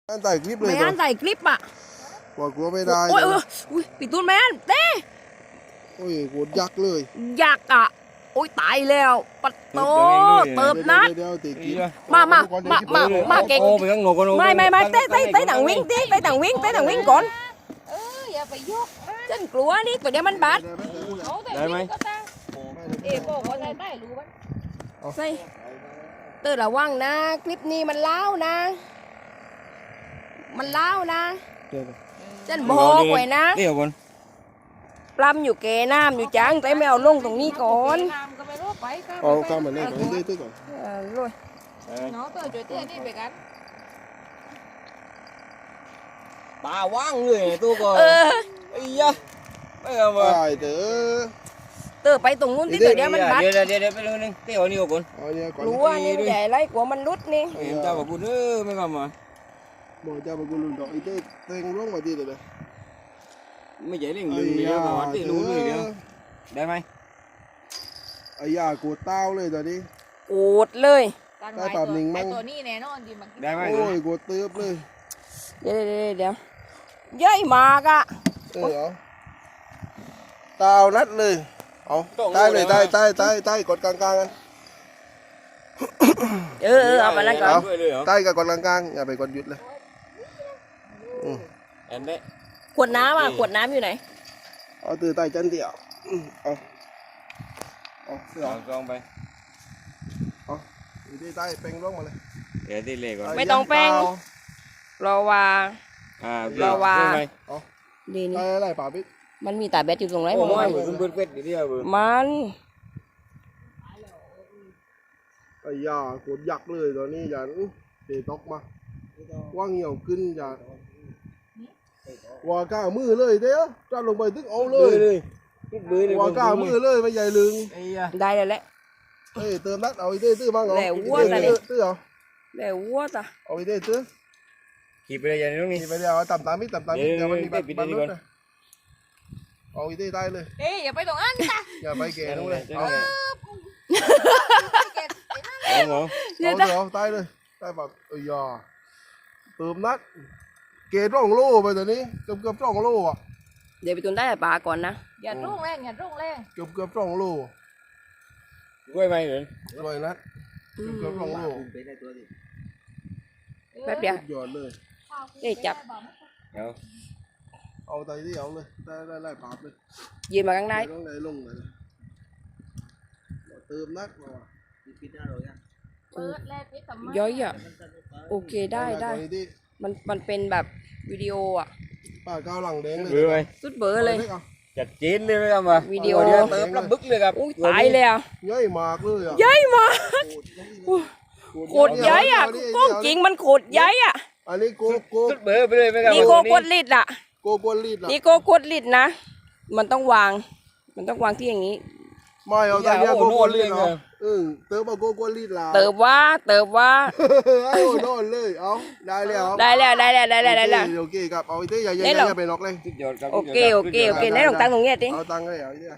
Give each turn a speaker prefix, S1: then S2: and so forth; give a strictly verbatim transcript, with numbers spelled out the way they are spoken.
S1: อันถ่ายคลิปเลย
S2: ไม่อันถ่ายคลิปอ่ะ
S1: กลัวกลัวไม่ได้
S2: โอ้ยเอออุ้ยปีตูนแมนเต้
S1: โอ้ยโคตรยักษ์เลย
S2: อยากอ่ะโอ้ยตายแล้วปัดโตเติบนัด
S1: เดี๋ยวตีกิน
S2: มามามามามาเก่ง
S3: โอ้ไปข้างนอกก่อน
S2: ไม่ไม่ไม่เต้เต้เต้ต่างวิ่งเต้เต้ต่างวิ่งเต้ต่างวิ่งก่อน
S4: เอออย่าไปยก
S2: ฉันกลัวนี่ตัวเดียวมันบาด
S4: เอาแต่วิ่งก็ตาเอ๋บอกว่าได้ได้รู้มั้ย
S2: ใส่เต้ระวังนะคลิปนี้มันเล้านะ มันเล้านะฉันบอกไว้นะ
S3: เดี๋ยวก่อน
S2: ปล้ำอยู่เกน้ำอยู่จังแต่ไม่เอาลงตรงนี้ก่อน
S4: น้ำก็ไม่รู้ไปก็
S1: เอาข้ามมาเนี่ยก่อนตื้อก่อน
S2: เออเลย
S4: น้องเตอร์ช่วยเตี้ยนี่ไปกัน
S3: ตาว่างเลยตัวก่อน
S2: เออ
S3: ไอ้ยะไม่เอามา
S1: ได้เด้อ
S2: เต้ไปตรงนู้นที่ตัวเดียวมันบาด
S3: เดี๋ยวเดี๋ยวเดี๋ยวไปเรื่องนึงเดี๋ยวนี่ก่อน
S1: เอาเนี่ยก่อน
S2: รู้ว่านี่มันใหญ่ไรกลัวมันรุดนี่
S3: เห็นเจ้าบอกกูเด้อไม่กลับมา
S1: บอกเจ้าบอกกูลุนดอกไอ้เต้เต็งร่วงมาดีเลย
S3: ไม่ใช่เรื่องลึงเดียวมาวัดที่รู้เลยเดียวได้ไหม
S1: ไอ้ยากูเต้าเลยตอนนี้
S2: โอดเลย
S4: การไว้ตัวไอตัวนี้แน่นอนดีมัน
S3: ได้ไหม
S1: โอ้ยกูเติบเลย
S2: เดี๋ยวเดี๋ยวเดี๋ยวเย้ยมากอ่ะ
S1: เออเอาเต้านัดเลยเอาใต้เลยใต้ใต้ใต้ใต้กดกลางกลางกัน
S2: เออเออเอาไปนั่นก่อน
S1: ใต้กับกดกลางกลางอย่าไปกดหยุดเลย
S3: เห็นไหม
S2: ขวดน้ำอ่ะขวดน้ำอยู่ไหน
S1: เอาตือใต้จันเดียวเอาเอาเสือ
S3: เอากองไป
S1: เอาอยู่ที่ใต้เป่งร่วงมาเลย
S3: เดี๋ยวที่เล็กก่อน
S2: ไม่ต้องแป้งรอว่า
S3: อ่า
S2: เราว่า ดี
S1: ใต้
S2: นี่
S1: อะไรป่าพี่
S2: มันมีตาแบตอยู่ตรงไหน
S3: โอ้
S2: ผม
S3: ย
S2: ว่า
S3: คุณเปิดเป็ดเดียวเบื่อ
S2: มัน
S1: ไอ้ยาโคตรยักษ์เลยตอนนี้อย่าเตะตกมาว่างเหี่ยวขึ้นอย่าว่าก้ามือเลยเด้อจ้าลงไปตึกเอาเลย
S3: เลยเบื่อเลย
S1: ว่าก้ามือเลยไม่ใหญ่ลึง
S3: ไอ้ยะ
S2: ได้แล้วแหละ
S1: เอ้ยเติมนัดเอาไอ้เต้ตื้อบ้างเหรอ
S2: แล้ววัวตาดิ
S1: ตื้อเอา
S2: แล้ววัวตา
S1: เอาไอ้เต้ตื้อ
S3: ขี่ไปเลยอย่างนี้ตรงนี้
S1: นี่ไปเดี๋ยวต่ำตามมิดต่ำตามมิด
S3: เดี๋
S1: เดี๋ย
S3: ยว ว
S1: มันมีบัตร
S3: ปิด
S1: บัตร
S3: ปิด
S1: ร
S3: ก่
S1: ถ
S3: อน
S1: นะเอาไอ้เต้ได้เลย
S4: เอ้ยอย่าไปตรงนั้นจ้ะ
S1: อย่าไปแก่นู้นเลยเอา
S3: เอาหมอ
S1: เอาเดี๋ยวตายเลยตายแบบเอ้ยยาเติมนัดเกตร่องโล่ไปตอนนี้เกือบเกือบร่องโล่อะ
S2: เดี๋ยวไปตุนได้ปลาก่อนนะ
S4: อย่ารุ่งแรงอย่ารุ่งแรง
S1: เกือบเกือบร่องโล่
S3: กล้วยไหมเหรอ
S1: รวยนัดเกือบเกือบร่องโล่
S2: แป๊บเดียว
S1: หยอดเลย
S2: เอ้ยจับ
S3: เดี๋ยว
S1: เอาไตที่เอาเลยได้ได้ได้ปาบเลย
S2: ยืนมาข้างใน
S1: ต้องไหนลงไหนเติมนัดมา
S4: เปิดแรกนิดทำไม
S2: ย้อยอ่ะโอเคได้ได้
S1: ตอนนี้ที่
S2: มันมันเป็นแบบวิดีโออ่ะ
S1: ป้าก้าวหลังแดงเลย
S3: เบื่อไหม
S2: สุดเบอร์เลย
S3: จัดจีนเลยไหมครับมา
S2: วิดีโอ
S3: เดี๋ยวเติมลำบึกเลยครับ
S2: อุ้ยตายเลยอ่ะ
S1: ย่อยมากเลยอ่ะ
S2: ใหญ่มากโคตรใหญ่อ่ะกล้องจริงมันโคตรใหญ่อ่ะ
S1: อันนี้โกโก
S3: สุดเบื่อไปเลยไหมครับ
S2: นี่โกกดลิดอ่ะ
S1: โกกวนลีดล่ะ
S2: นี่โกกดลิดนะ มันต้องวาง มันต้องวางที่อย่างนี้
S1: ไม่เอาตอนนี้โกกวนลีดเนาะเออเติมเอาโกกวนลีดล่ะ
S2: เติบว่าเติบว่า
S1: เอาโดนเลยเอาได้แล้ว
S2: ได้แล้วได้แล้วได้แล้วได้แล้ว
S1: โอเคครับเอาไอ้เต้อย่าอย่า
S2: ได้
S1: อ
S2: หรอ
S1: ย่าไปนอกเลย
S3: สุดยอดครับ
S2: โอเคโอเคโอเคไหนลองตั้งตรงเนี้ยติ
S1: เอาตังค์เลยเอาไอ้เต้